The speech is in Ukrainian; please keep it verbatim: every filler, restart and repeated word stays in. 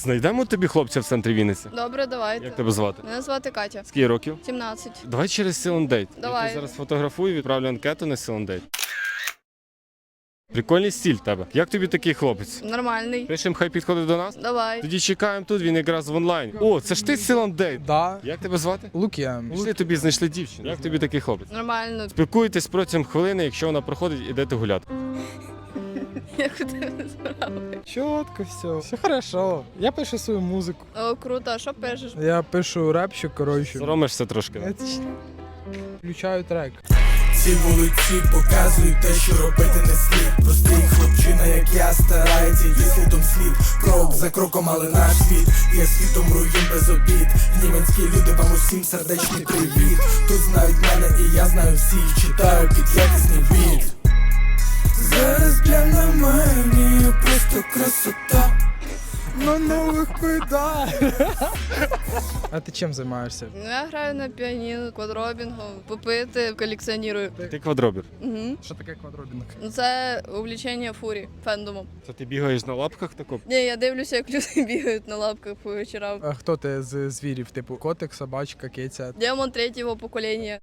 Знайдемо тобі хлопця в центрі Вінниці? Добре, давайте. Як тебе звати? Мене звати Катя. Скільки років? сімнадцять. Давай через Сілендейт. Я Давай. тебе зараз фотографую, відправлю анкету на Сілендейт. Прикольний стиль тебе. Як тобі такий хлопець? Нормальний. Пишемо, хай підходить до нас? Давай. Тоді чекаємо тут, він якраз в онлайн. О, це ж ти Сілендейт. Да, Як тебе звати? Лук'ян. Пішли тобі знайшли дівчину. Як тобі такий хлопець? Нормально. Спілкуєтесь протягом хвилини, якщо вона проходить, ідете гуляти. Як у тебе справи? Чітко все. Все хорошо. Я пишу свою музику. О, круто. А що пишеш? Я пишу репчик, коротше. Соромишся трошки. Я ці- Включаю трек. Ці вулиці показують те, що робити не слід. Простий хлопчина, як я, старається йти слідом слід. Крок за кроком, але наш світ є світом руїн без обід. Німецькі люди, вам усім сердечний привіт. Тут знають мене і я знаю всіх. Читаю під якісний біт. Зараз для на мені просто красота. На нових педалях. А ти чим займаєшся? Ну, я граю на піаніно, квадробінгом, попити, колекціоную. Ти квадробір. Угу. Що таке квадробінг? Ну, це увлічення фурі, фендомом. Це ти бігаєш на лапках тако? Ні, я дивлюся, як люди бігають на лапках по вечорам. А хто ти з звірів? Типу котик, собачка, киця? Демон третього покоління.